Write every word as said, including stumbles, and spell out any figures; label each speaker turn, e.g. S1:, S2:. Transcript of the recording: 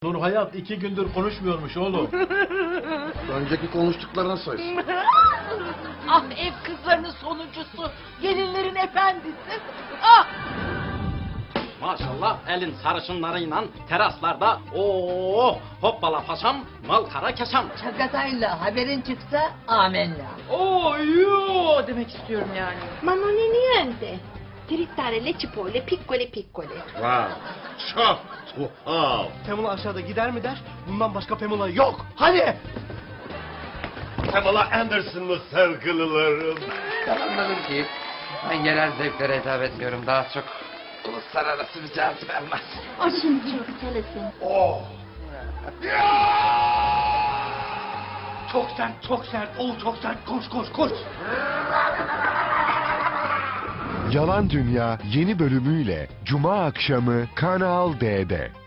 S1: Nur Hayat iki gündür konuşmuyormuş oğlum.
S2: Önceki konuştuklarına say.
S3: Ah ev kızlarının sonuncusu, gelinlerin efendisi. Ah!
S4: Maşallah elin sarışınlarıyla teraslarda ooo hoppala paşam malkara keşam.
S3: Çagatayla haberin çıksa amenna.
S5: Oo yoo demek istiyorum yani.
S6: Ma non è niente. Trittare le cipolle piccole piccole.
S2: Wow. Çok tuhaf.
S1: Pamela aşağıda gider mi der? Bundan başka Pamela yok. Hadi.
S2: Pamela Anderson mı sevgililerim?
S7: Ben anladım ki ben genel zevklere hitap etmiyorum. Daha çok uluslararası bir cazibem var.
S6: O şimdi çok çalışsın.
S2: Oh.
S1: Çok sert, çok sert. O çok sert. Koş, koş, koş.
S8: Yalan Dünya yeni bölümüyle Cuma akşamı Kanal D'de.